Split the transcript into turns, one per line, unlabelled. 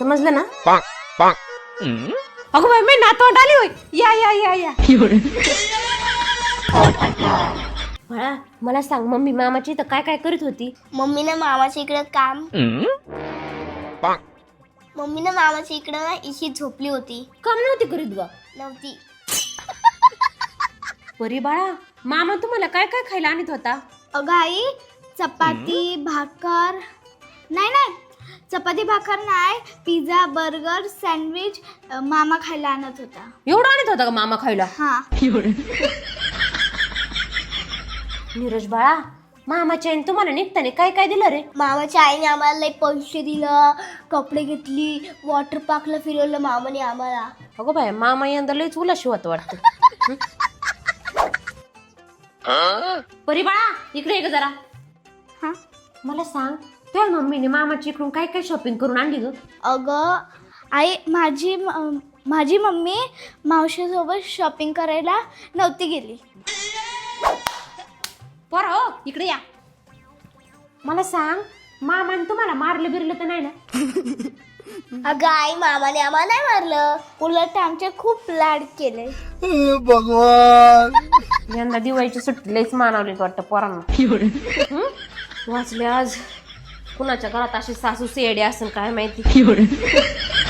समजलं ना? अगं बाई मी नातवंड आली होय. या या या या बाळा मला सांग मम्मी मामाची तर काय काय करीत होती?
मम्मीनं मामाच्या इकडं काम मम्मीनं मामाच्या इकडं इशी झोपली होती.
काम नव्हती करीत ग.
नव्हती.
परी बाळा मामा तुम्हाला काय काय खायला आणत होता?
अगं आई चपाती भाकर नाही चपाती भाकर नाही, पिझ्झा बर्गर सँडविच मामा खायला आणत होता.
एवढं आणत होता का मामा खायला?
हा.
नीरज बाळा मामाच्या आईने तुम्हाला निघताना काय काय दिलं रे?
मामाच्या आईने आम्हाला लई पैसे दिलं, कपडे घेतली, वॉटर पार्कला फिरवलं मामाने आम्हाला.
अगो बाय मामा यंदा लईच उलाशी होत वाटतं. परी बाळा इकडे ये ग जरा.
हा.
मला सांग तुझ्या मम्मीने मामाची इकडून काय काय शॉपिंग करून आणली ग?
अगं आई माझी मम्मी मावशीसोबत शॉपिंग करायला नव्हती गेली.
पर हो इकडे या. मला सांग मामाने तुम्हाला मारलं बिरलं तर नाही ना?
अगं आई मामाने आम्हाला नाही मारलं, उलट आमचे खूप लाड केले.
यंदा दिवाळीची सुट्टी लईच मानवली वाटतं पोरांना. वाचले आज कुणाच्या घरात अशी सासू सेडे असेल काय माहिती.